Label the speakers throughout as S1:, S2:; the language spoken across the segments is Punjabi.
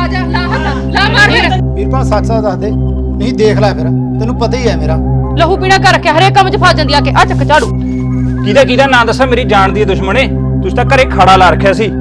S1: ਆ ਜਾ ਲਾ ਹੱਥ ਲਾ ਮਾਰ ਫਿਰ
S2: ਵੀਰਪਾਲ ਸੱਚ ਸੱਚ ਦੱਸ ਦੇ ਨਹੀਂ ਦੇਖ ਲੈ ਫਿਰ ਤੈਨੂੰ ਪਤਾ ਹੀ ਹੈ ਮੇਰਾ
S1: ਲਹੂ ਪੀਣਾ ਕਰ ਰੱਖਿਆ ਹਰੇਕ ਕੰਮ 'ਚ ਫਸ ਜਾਂਦੀ ਆ ਕੇ ਆ ਚੱਕ ਝਾੜੂ
S3: ਕਿਹਦਾ ਨਾਂ ਦੱਸਾਂ ਮੇਰੀ ਜਾਣ ਦੀ ਦੁਸ਼ਮਣੇ ਤੁਸੀਂ ਤਾਂ ਘਰੇ ਖੜਾ ਲਾ ਰੱਖਿਆ ਸੀ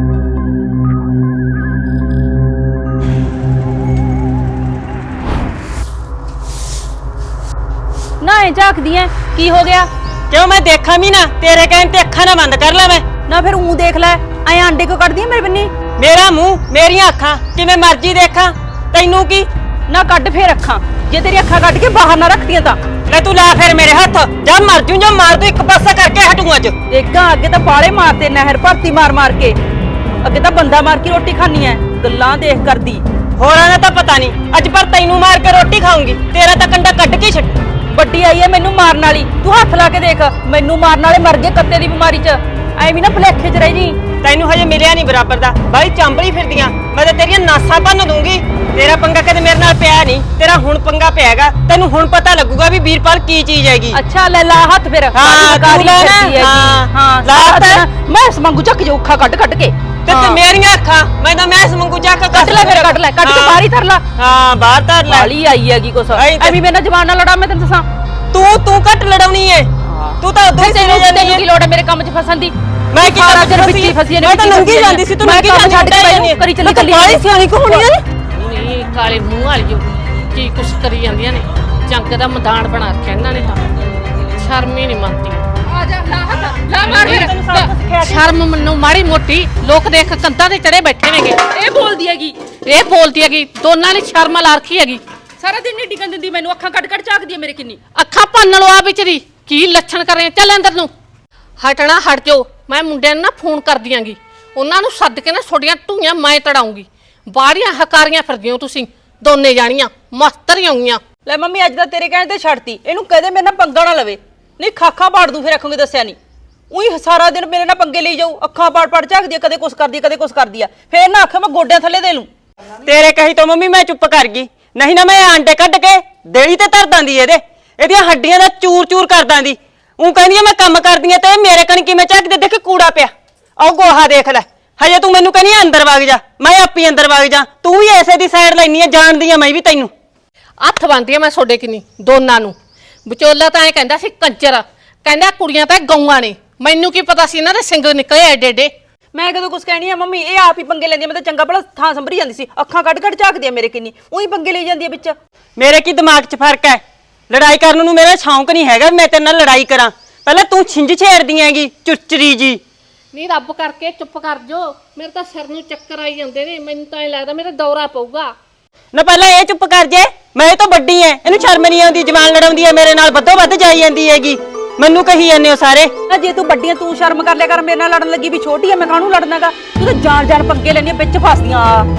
S1: ਨਾ ਐ ਝਾਕਦੀ ਐ ਕੀ ਹੋ ਗਿਆ
S4: क्यों मैं देखा भी ना तेरे कहने ते अखा ना बंद कर ला मैं
S1: ਨਾ ਫਿਰ ਉਹ ਦੇਖ ਲੈ ਐ ਆਂਡੇ ਕਿਉਂ ਕੱਢਦੀ ਐ ਮੇਰੇ ਬੰਨੀ
S4: मेरा मुंह मेरियां अखा जिवें मर्जी देखा तैनू की
S1: ਨਾ ਕੱਢ ਫੇਰ ਅੱਖਾਂ ਜੇ ਤੇਰੀ ਅੱਖਾਂ ਕੱਢ ਕੇ ਬਾਹਰ ਨਾ ਰੱਖਦੀਆਂ ਤਾਂ
S4: ले तू ला फिर मेरे हाथ जा मर जू जो मार तू एक पासा करके हटू अज
S1: ਦੇਖਾਂ ਅੱਗੇ ਤਾਂ ਬਾਲੇ ਮਾਰਦੇ ਨਹਿਰ ਭਰਤੀ ਮਾਰ ਮਾਰ ਕੇ ਅੱਗੇ ਤਾਂ ਬੰਦਾ ਮਾਰ ਕੇ ਰੋਟੀ ਖਾਣੀ ਐ ਗੱਲਾਂ ਦੇਖ ਕਰਦੀ
S4: होरां दा तां पता नहीं अज पर तैनू मार के रोटी खाऊंगी तेरा तां कंडा कट के छट
S1: ਵੱਡੀ ਆਈ ਐ ਮੈਨੂੰ ਮਾਰਨ ਵਾਲੀ ਤੂੰ ਹੱਥ ਲਾ ਕੇ ਦੇਖ ਮੈਨੂੰ ਮਾਰਨ ਵਾਲੇ ਮਰ ਗਏ ਕੱਤੇ ਦੀ ਬਿਮਾਰੀ 'ਚ ਐਵੇਂ ਨਾ ਭਲੇਖੇ 'ਚ ਰਹਿ ਜੀ
S4: तैनू हजे मिलिया नहीं बराबर दा भाई चांबली फिरदियां मैं तां तेरियां नासां भन्न दूंगी तेरा पंगा कदे मेरे नाल पिया नहीं तेरा हुण पंगा पियागा तैनू हुण पता लगूगा भी वीरपाल की चीज हैगी
S1: ਅੱਛਾ ਲੈ ਲਾ ਹੱਥ ਫਿਰ
S4: ਹਾਂ,
S1: ਕਾਰੀ
S4: ਤੂੰ ਲੈ ਨਾ,
S1: ਫਿਰਦੀ ਹੈਗੀ।
S4: ਹਾਂ,
S1: ਹਾਂ
S4: ਲਾ
S1: ਲਾ
S4: ਹੱਥ।
S1: ਮੈਂ ਇਸ ਵਾਂਗੂ ਚੱਕ ਜੋ ਅੱਖਾਂ ਕੱਢ ਕੱਢ ਕੇ
S4: ते ते मेरियां अखा मैं तां मैस मंगू जा के
S1: ਕੱਢ ਲੈ ਫਿਰ ਕੱਢ ਲੈ ਕੱਢ ਕੇ ਬਾਹਰ ਹੀ ਧਰ ਲਾ
S4: हां बाहर धर ले
S1: ਵਾਲੀ ਆਈ ਹੈਗੀ ਕੁਛ
S4: ਆਈ ਤੇ-
S1: ਐਵੇਂ ਮੇਰੇ ਨਾਲ ਜਵਾਨ ਨਾਲ ਲੜਾ ਮੈਂ ਤੈਨੂੰ ਦੱਸਾਂ
S4: तू घट लड़ाउनी है तू तो उधर
S1: ਤੈਨੂੰ
S4: चले जानी
S1: ਤੈਨੂੰ
S4: है
S1: ਕੀ ਲੋੜ ਹੈ ਮੇਰੇ ਕੰਮ 'ਚ ਫਸਣ ਦੀ
S4: मैं की
S1: ਸਾਰਾ ਦਿਨ
S4: फसी
S1: ਵਿੱਚੀ ਫਸੀ
S4: मैं तो नंगी जांदी सी तू नंगी
S1: ਕੰਮ
S4: छड्ड के
S1: ਮੈਨੂੰ ਕਰੀ ਚੱਲੀ ਚੱਲੀ
S4: बाली सियाणी को होनी है
S5: ਨੀ ਕਾਲੇ ਮੂੰਹ ਵਾਲੀਓ ਕੀ ਕੁਛ ਕਰੀ ਜਾਂਦੀਆਂ ਨੇ ਜੰਗ ਦਾ ਮੈਦਾਨ ਬਣਾ ਰੱਖਿਆ ਇਹਨਾਂ ਨੇ ਤਾਂ ਸ਼ਰਮ ਹੀ ਨਹੀਂ ਮੰਨਦੀ
S1: ਆ ਜਾ ਲਾ ਹੱਥ ਲਾ ਮਾਰ ਫਿਰ
S5: ਸ਼ਰਮ ਮੈਨੂੰ ਮਾੜੀ ਮੋਟੀ ਲੋਕ ਦੇਖ ਕੰਧਾਂ ਤੇ ਚੜੇ ਬੈਠੇ ਨੇਗੇ
S1: ਇਹ ਬੋਲਦੀ ਹੈਗੀ
S5: ਇਹ ਬੋਲਦੀ ਹੈਗੀ ਦੋਨਾਂ ਨੇ ਸ਼ਰਮ ਲਾ ਰੱਖੀ ਹੈਗੀ
S1: ਸਾਰਾ ਦਿਨ ਨਹੀਂ ਟਿਕਣ ਦਿੰਦੀ ਮੈਨੂੰ ਅੱਖਾਂ ਕੱਢ ਕੱਢ ਝਾਕਦੀ ਹੈ ਮੇਰੇ ਕਿੰਨੀ
S5: ਅੱਖਾਂ ਭੰਨ ਲੋ ਆ ਵਿੱਚ ਦੀ ਕੀ ਲੱਛਣ ਕਰ ਰਹੇ ਚੱਲ ਅੰਦਰ ਨੂੰ ਹਟਣਾ ਹਟ ਜਾਓ ਮੈਂ ਮੁੰਡਿਆਂ ਨੂੰ ਨਾ ਫੋਨ ਕਰ ਦਿਆਂਗੀ ਉਹਨਾਂ ਨੂੰ ਸੱਦ ਕੇ ਨਾ ਛੋਡੀਆਂ ਢੂਈਆਂ ਮੈਂ ਤੜਾਉਂਗੀ ਬਾਹਰੀਆਂ ਹਕਾਰੀਆਂ ਫਿਰਦੀਆਂ ਤੁਸੀਂ ਦੋਨੇ ਜਾਣੀਆਂ ਮਸਤਰੀਆਂ ਹੋਈਆਂ
S1: ਲੈ ਮੰਮੀ ਅੱਜ ਤਾਂ ਤੇਰੇ ਕਹਿਣ ਤੇ ਛੱਡਤੀ ਇਹਨੂੰ ਕਦੇ ਮੇਰੇ ਨਾਲ ਪੰਗਾ ਨਾ ਲਵੇ ਨਹੀਂ ਖਾਖਾਂ ਪਾੜ ਦੂੰ ਫਿਰ ਆਖੂਗੀ ਦੱਸਿਆ ਨਹੀਂ ਉਹੀ ਸਾਰਾ ਦਿਨ ਮੇਰੇ ਨਾਲ ਪੰਗੇ ਲਈ ਜਾਊ ਅੱਖਾਂ ਪਾੜ ਪਾੜ ਝਾਕਦੀ ਕਦੇ ਕੁਛ ਕਰਦੀ ਕਦੇ ਕੁਛ ਕਰਦੀ ਆ ਫੇਰ ਨਾ ਆਖੇ ਮੈਂ ਗੋਡਿਆਂ ਥੱਲੇ ਦੇ ਲੂੰ
S4: तेरे कही तो मम्मी मैं चुप कर गई नहीं ना मैं आंडे कट के देड़ी ते धर दांदी ਇਹਦੀਆਂ ਹੱਡੀਆਂ ਦਾ ਚੂਰ ਚੂਰ ਕਰ ਦਾਂਦੀ ਉਹ ਕਹਿੰਦੀ ਮੈਂ ਕੰਮ ਕਰਦੀ ਆ ਤੇ ਮੇਰੇ ਕਣ ਕਿਵੇਂ ਝੱਕਦੇ ਦੇਖ ਕੂੜਾ ਪਿਆ ਆਹ ਗੋਹਾ ਦੇਖ ਲੈ ਹਜੇ ਤੂੰ ਮੈਨੂੰ ਕਹਿੰਦੀ ਅੰਦਰ ਵਗ ਜਾ ਮੈਂ ਆਪੀ ਅੰਦਰ ਵਗ ਜਾ ਤੂੰ ਵੀ ਐਸੇ ਦੀ ਸਾਈਡ ਲੈਣੀ ਆ ਜਾਣਦੀ ਆ ਮੈਂ ਵੀ ਤੈਨੂੰ
S5: ਹੱਥ ਬੰਨਦੀ ਆ ਮੈਂ ਛੋਡੇ ਕਿਨੀ ਦੋਨਾਂ ਨੂੰ ਵਿਚੋਲਾ ਤਾਂ ਐ ਕਹਿੰਦਾ ਸੀ ਕੰਜਰ ਕਹਿੰਦਾ ਕੁੜੀਆਂ ਤਾਂ ਗਊਆਂ ਨੇ ਮੈਨੂੰ ਕੀ ਪਤਾ ਸੀ ਇਹਨਾਂ ਦੇ ਸਿੰਗ ਨਿਕਲੇ ਐਡੇ ਐਡੇ
S1: ਮੈਂ ਕਦੋਂ ਕੁਛ ਕਹਿਣੀ ਆ ਮੰਮੀ ਇਹ ਆਪ ਹੀ ਪੰਗੇ ਲੈਂਦੀ ਆ ਮੈਂ ਤਾਂ ਚੰਗਾ ਭਲਾ ਥਾਂ ਸੰਭਰੀ ਜਾਂਦੀ ਸੀ ਅੱਖਾਂ ਕੱਢ ਕੱਢ ਝਾਕਦੀ ਆ ਮੇਰੇ ਕਿੰਨੀ ਉਹੀ ਪੰਗੇ ਲਈ ਜਾਂਦੀ ਆ ਵਿੱਚ
S4: ਮੇਰੇ ਕੀ ਦਿਮਾਗ 'ਚ ਫਰਕ ਹੈ ਲੜਾਈ ਕਰਨ ਨੂੰ ਮੇਰਾ ਸ਼ੌਂਕ ਨਹੀਂ ਹੈਗਾ ਮੈਂ ਤੇਰੇ ਨਾਲ ਲੜਾਈ ਕਰਾਂ ਪਹਿਲਾਂ ਤੂੰ ਛਿੰਝ ਛੇੜਦੀ ਹੈਗੀ ਚੁਰਚਰੀ ਜੀ
S5: ਨਹੀਂ ਰੱਬ ਕਰਕੇ ਚੁੱਪ ਕਰ ਜੋ ਮੇਰੇ ਤਾਂ ਸਿਰ ਨੂੰ ਚੱਕਰ ਆਈ ਜਾਂਦੇ ਨੇ ਮੈਨੂੰ ਤਾਂ ਐ ਲੱਗਦਾ ਮੇਰਾ ਦੌਰਾ ਪਊਗਾ
S4: ਨਾ ਪਹਿਲਾਂ ਇਹ ਚੁੱਪ ਕਰ ਜੇ ਮੈਂ ਇਹ ਤਾਂ ਵੱਡੀ ਐ ਇਹਨੂੰ ਸ਼ਰਮ ਨਹੀਂ ਆਉਂਦੀ ਜਵਾਨ ਲੜਾਉਂਦੀ ਐ ਮੇਰੇ ਨਾਲ ਵੱਧੋ ਵੱਧ ਜਾਈ ਜਾਂਦੀ ਹੈਗੀ ਮੈਨੂੰ ਕਹੀ ਜਾਂਦੇ ਹੋ ਸਾਰੇ
S1: ਨਾ ਜੇ ਤੂੰ ਵੱਡੀ ਆ ਤੂੰ ਸ਼ਰਮ ਕਰ ਲਿਆ ਕਰ ਮੇਰੇ ਨਾਲ ਲੜਨ ਲੱਗੀ ਵੀ ਛੋਟੀ ਆ ਮੈਂ ਕਾਹਨੂੰ ਲੜਨਾਗਾ ਤੂੰ ਤਾਂ ਜਾਣ ਜਾਣ ਪੰਗੇ ਲੈਣੀ ਵਿੱਚ ਫਸਦੀਆਂ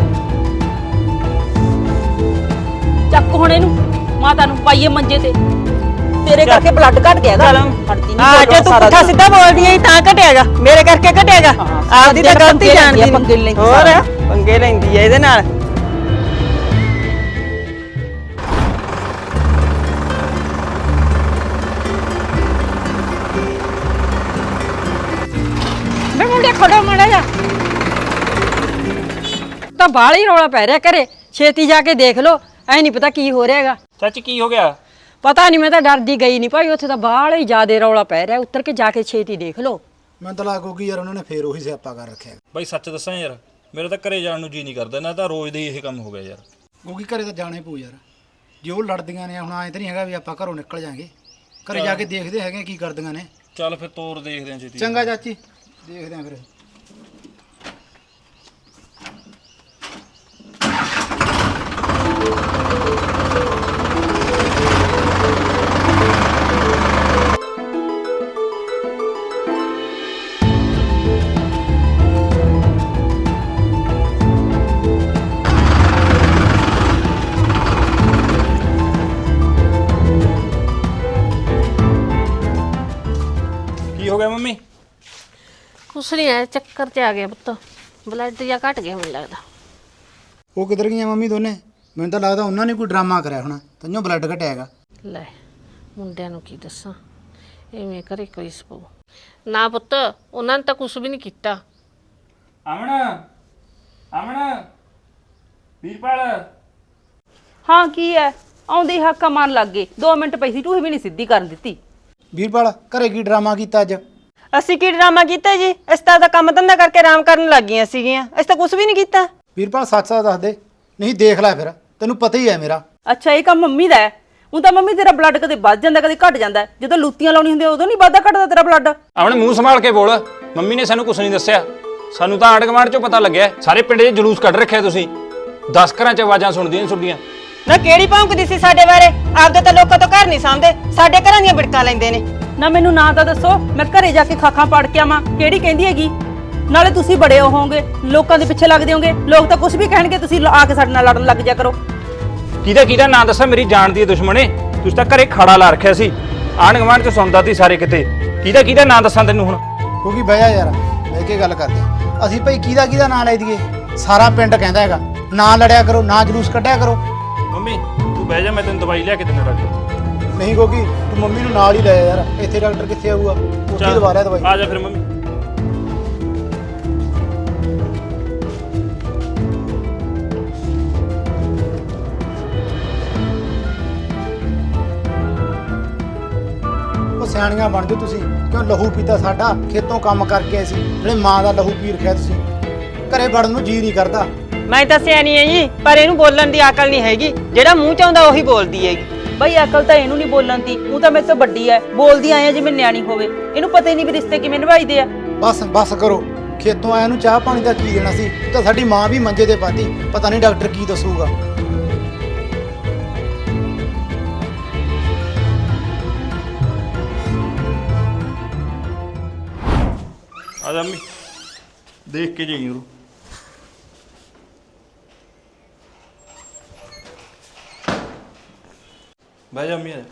S1: ਚੱਕ ਹੁਣ ਇਹਨੂੰ ਮਾਤਾ ਨੂੰ ਪਾਈਏ ਮੰਜੇ ਤੇ ਤੇਰੇ ਕਰਕੇ ਬਲੱਡ ਘਟ ਗਿਆ ਹੈਗਾ ਹਟਦੀ ਨਹੀਂ
S4: ਹਾਂ ਜੇ ਤੂੰ ਪੁੱਠਾ ਸਿੱਧਾ ਬੋਲਦੀ ਐ ਤਾਂ ਘਟਿਆਗਾ ਮੇਰੇ ਕਰਕੇ ਘਟਿਆਗਾ ਆਪਦੀ ਤਾਂ ਗਲਤੀ ਜਾਣਦੀ
S1: ਪੰਗੇ ਲੈਂਦੀ
S4: ਹੋਰ ਪੰਗੇ ਲੈਂਦੀ ਐ ਇਹਦੇ ਨਾਲ
S6: ਮੈਂ ਮੁੰਡੇ ਖੜੋ ਮਾੜਾ ਜਾ ਤਾਂ ਬਾਹਰ ਹੀ ਰੌਲਾ ਪੈ ਰਿਹਾ ਘਰੇ ਛੇਤੀ ਜਾ ਕੇ ਦੇਖ ਲੋ ਐ ਨਹੀਂ ਪਤਾ ਕੀ ਹੋ ਰਿਹਾ ਹੈਗਾ
S3: ਚਾਚੀ ਕੀ ਹੋ ਗਿਆ
S6: ਪਤਾ ਨਹੀਂ ਮੈਂ ਤਾਂ ਡਰਦੀ ਗਈ ਨਹੀਂ ਭਾਈ ਉੱਥੇ ਤਾਂ ਬਾਹਰ ਹੀ ਜ਼ਿਆਦੇ ਰੌਲਾ ਪੈ ਰਿਹਾ ਉੱਤਰ ਕੇ ਜਾ ਕੇ ਛੇਤੀ ਦੇਖ ਲੋ
S2: ਮੈਂ ਤਾਂ ਲੱਗੂ ਕਿ ਯਾਰ ਉਹਨਾਂ ਨੇ ਫੇਰ ਉਹੀ ਸਿਆਪਾ ਕਰ ਰੱਖਿਆ
S3: ਬਾਈ ਸੱਚ ਦੱਸਾਂ ਯਾਰ ਮੇਰਾ ਤਾਂ ਘਰੇ ਜਾਣ ਨੂੰ ਜੀ ਨਹੀਂ ਕਰਦਾ ਨਾ ਤਾਂ ਰੋਜ਼ ਦਾ ਹੀ ਇਹ ਕੰਮ ਹੋ ਗਿਆ ਯਾਰ
S2: ਕਿਉਂਕਿ ਘਰੇ ਤਾਂ ਜਾਣਾ ਹੀ ਪਊ ਯਾਰ ਜੇ ਉਹ ਲੜਦੀਆਂ ਨੇ ਹੁਣ ਐਂ ਤਾਂ ਨਹੀਂ ਹੈਗਾ ਵੀ ਆਪਾਂ ਘਰੋਂ ਨਿਕਲ ਜਾਾਂਗੇ ਘਰੇ ਜਾ ਕੇ ਦੇਖਦੇ ਹੈਗੇ ਕੀ ਕਰਦੀਆਂ ਨੇ
S3: ਚੱਲ ਫਿਰ ਤੋਰ ਦੇਖਦੇ ਆਂ ਛੇਤੀ
S2: ਚੰਗਾ ਚਾਚੀ ਦੇਖਦੇ ਆਂ ਫਿਰ
S3: ਕੀ ਹੋ ਗਿਆ ਮੰਮੀ
S5: ਕੁਛ ਨਹੀਂ ਐ ਚੱਕਰ ਤੇ ਆ ਗਿਆ ਪੁੱਤ ਬਲੱਡ ਜਾਂ ਘਟ ਗਿਆ ਮੈਨੂੰ ਲੱਗਦਾ
S2: ਉਹ ਕਿੱਧਰ ਗਈਆਂ ਮੰਮੀ ਦੋਨੇ ਮੈਨੂੰ ਤਾਂ ਲੱਗਦਾ ਉਹਨਾਂ ਨੇ ਕੋਈ ਡਰਾਮਾ ਕਰਿਆ ਹੋਣਾ ਤੈਨੂੰ ਬਲੱਡ ਘਟਿਆ ਹੈਗਾ
S5: ਲੈ ਮੁੰਡਿਆਂ ਨੂੰ ਕੀ ਦੱਸਾਂ ਐਵੇਂ ਕਰੇ ਕੋਈ ਸਪੋ ਨਾ ਪੁੱਤ ਉਹਨਾਂ ਨੇ ਤਾਂ ਕੁਛ ਵੀ ਨਹੀਂ ਕੀਤਾ
S3: ਅਮਨ ਅਮਨ ਵੀਰਪਾਲ
S1: ਹਾਂ ਕੀ ਹੈ ਆਉਂਦੇ ਹੀ ਹਾਕਾ ਮਾਰਨ ਲੱਗ ਗਏ 2 ਮਿੰਟ ਪਈ ਸੀ ਟੂਹੀ ਵੀ ਨਹੀਂ ਸਿੱਧੀ ਕਰਨ ਦਿੱਤੀ।
S2: ਵੀਰਪਾਲ ਘਰੇ ਕੀ ਡਰਾਮਾ ਕੀਤਾ ਅੱਜ?
S4: ਅਸੀਂ ਕੀ ਡਰਾਮਾ ਕੀਤਾ ਜੀ? ਅਸੀਂ ਤਾਂ ਆਪਦਾ ਕੰਮ ਧੰਦਾ ਕਰਕੇ ਆਰਾਮ ਕਰਨ ਲੱਗ ਗਈਆਂ ਸੀਗੀਆਂ। ਅਸੀਂ ਤਾਂ ਕੁਝ ਵੀ ਨਹੀਂ ਕੀਤਾ।
S2: ਵੀਰਪਾਲ ਸੱਚ ਸੱਚ ਦੱਸ ਦੇ, ਨਹੀਂ ਦੇਖ ਲੈ ਫਿਰ, ਤੈਨੂੰ ਪਤਾ ਹੀ ਹੈ ਮੇਰਾ।
S1: ਅੱਛਾ ਇਹ ਕੰਮ ਮੰਮੀ ਦਾ ਹੈ। ਹੁਣ ਤਾਂ ਮੰਮੀ ਤੇਰਾ ਬਲੱਡ ਕਦੇ ਵੱਧ ਜਾਂਦਾ ਕਦੇ ਘਟ ਜਾਂਦਾ ਹੈ। ਜਦੋਂ ਲੂਤੀਆਂ ਲਾਉਣੀ ਹੁੰਦੀ ਉਦੋਂ ਨਹੀਂ ਵੱਧਦਾ ਘਟਦਾ ਤੇਰਾ ਬਲੱਡ।
S3: ਆਪਣੇ ਮੂੰਹ ਸੰਭਾਲ ਕੇ ਬੋਲ। ਮੰਮੀ ਨੇ ਸਾਨੂੰ ਕੁਝ ਨਹੀਂ ਦੱਸਿਆ। ਸਾਨੂੰ ਤਾਂ ਆਂਢ ਗੁਆਂਢ ਚੋਂ ਪਤਾ ਲੱਗਿਆ। ਸਾਰੇ ਪਿੰਡ 'ਚ ਜਲੂਸ ਕੱਢ ਰੱਖਿਆ ਤੁਸੀਂ। 10 ਘਰਾਂ 'ਚ ਆਵਾਜ਼ਾਂ ਸੁਣਦੀਆਂ ਸੁਣਦੀਆਂ।
S4: ਨਾ ਕਿਹੜੀ ਭੌਂਕਦੀ ਸੀ ਸਾਡੇ ਬਾਰੇ? ਆਪਦੇ ਤਾਂ ਲੋਕਾਂ ਤੋਂ ਘਰ ਨਹੀਂ ਸਾਂਭਦੇ, ਸਾਡੇ ਘਰਾਂ ਦੀਆਂ ਬਿੜਕਾਂ ਲੈਂਦੇ ਨੇ।
S1: ਨਾ ਮੈਨੂੰ ਨਾਂ ਤਾਂ ਦੱਸੋ, ਮੈਂ ਘਰੇ ਜਾ ਕੇ ਖਾਖਾਂ ਪਾੜ ਕੇ ਆਵਾਂ। ਕਿਹੜੀ ਕਹਿੰਦੀ ਹੈਗੀ? ਨਾਲੇ ਤੁਸੀਂ ਬੜੇ ਹੋਵੋਗੇ, ਲੋਕਾਂ ਦੇ ਪਿੱਛੇ ਲੱਗਦੇ ਹੋਗੇ। ਲੋਕ ਤਾਂ ਕੁਝ ਵੀ ਕਹਿਣਗੇ, ਤੁਸੀਂ ਆ ਕੇ ਸਾਡੇ ਨਾਲ ਲੜਨ ਲੱਗ ਜਾ ਕਰੋ।
S3: ਕਿਹਦਾ ਨਾਂ ਦੱਸਾਂ? ਮੇਰੀ ਜਾਣ ਦੀ ਦੁਸ਼ਮਣੇ। ਤੁਸੀਂ ਤਾਂ ਘਰੇ ਖੜਾ ਲਾ ਰੱਖਿਆ ਸੀ। ਆਂਢ ਗੁਆਂਢ 'ਚ ਸੁਣਦਾ ਸੀ ਸਾਰੇ ਕਿਤੇ। ਕਿਹਦਾ ਨਾਂ ਦੱਸਾਂ ਤੈਨੂੰ ਹੁਣ?
S2: ਕਿਉਂਕਿ ਬਹਿ ਜਾ ਯਾਰ, ਬਹਿ ਕੇ ਗੱਲ ਕਰਦੇ ਹਾਂ। ਅਸੀਂ ਭਾਈ ਕਿਹਦਾ ਨਾਂ ਲੈ ਦਈਏ? ਸਾਰਾ ਪਿੰਡ ਕਹਿੰਦਾ ਹੈਗਾ ਨਾ ਲੜਿਆ ਕਰੋ, ਨਾ ਜਲੂਸ ਕੱਢਿਆ ਕਰੋ।
S3: ਮੰਮੀ ਤੂੰ ਬਹਿ ਜਾ, ਮੈਂ ਤੈਨੂੰ ਦਵਾਈ ਲਿਆ ਕੇ ਦਿੰਦਾ ਡਾਕਟਰ।
S2: ਨਹੀਂ ਕਿਉਂਕਿ ਤੂੰ ਮੰਮੀ ਨੂੰ ਨਾਲ ਹੀ ਲੈ ਜਾ ਯਾਰ, ਇੱਥੇ ਡਾਕਟਰ ਕਿੱਥੇ ਆਊਗਾ? ਉੱਥੇ ਦਵਾ ਰਿਹਾ ਦਵਾਈ।
S3: ਆ ਜਾ ਫਿਰ ਮੰਮੀ।
S2: ਉਹ ਸਿਆਣੀਆਂ ਬਣ ਜਾਓ ਤੁਸੀਂ। ਕਿਉਂ ਲਹੂ ਪੀਤਾ ਸਾਡਾ? ਖੇਤੋਂ ਕੰਮ ਕਰਕੇ ਆਏ ਸੀ, ਜਿਹੜੇ ਮਾਂ ਦਾ ਲਹੂ ਪੀ ਰਖਿਆ ਤੁਸੀਂ। ਘਰੇ ਵੜਨ ਨੂੰ ਜੀ ਨਹੀਂ ਕਰਦਾ।
S4: ਮੈਂ ਤਾਂ ਸਿਆਣੀ ਐ ਜੀ, ਪਰ ਇਹਨੂੰ ਬੋਲਣ ਦੀ ਅਕਲ ਨਹੀਂ ਹੈਗੀ। ਜਿਹੜਾ ਮੂੰਹ ਚ ਆਉਂਦਾ ਉਹੀ ਬੋਲਦੀ ਹੈਗੀ।
S1: ਬਈ ਅਕਲ ਤਾਂ ਇਹਨੂੰ ਨਹੀਂ ਬੋਲਣ ਦੀ। ਉਹ ਤਾਂ ਮੇਰੇ ਤੋਂ ਵੱਡੀ ਐ, ਬੋਲਦੀ ਆਏ ਜਿਵੇਂ ਨਿਆਣੀ ਹੋਵੇ। ਇਹਨੂੰ ਪਤਾ ਹੀ ਨਹੀਂ ਵੀ ਰਿਸ਼ਤੇ ਕਿਵੇਂ ਨਿਭਾਈਦੇ ਆ।
S2: ਬਸ ਕਰੋ। ਖੇਤੋਂ ਆਇਆ ਨੂੰ ਚਾਹ ਪਾਣੀ ਦਾ ਕੀ ਦੇਣਾ ਸੀ? ਉਹ ਤਾਂ ਸਾਡੀ ਮਾਂ ਵੀ ਮੰਜੇ ਤੇ ਪਾਤੀ। ਪਤਾ ਨਹੀਂ ਡਾਕਟਰ ਕੀ ਦੱਸੂਗਾ।
S3: ਆ ਜਾ ਮੰਮੀ, ਦੇਖ ਕੇ ਜਾਈਂ ਉਹਨੂੰ। ਬਹਿ ਜਾ ਮੰਮੀ। ਆ ਜਾ।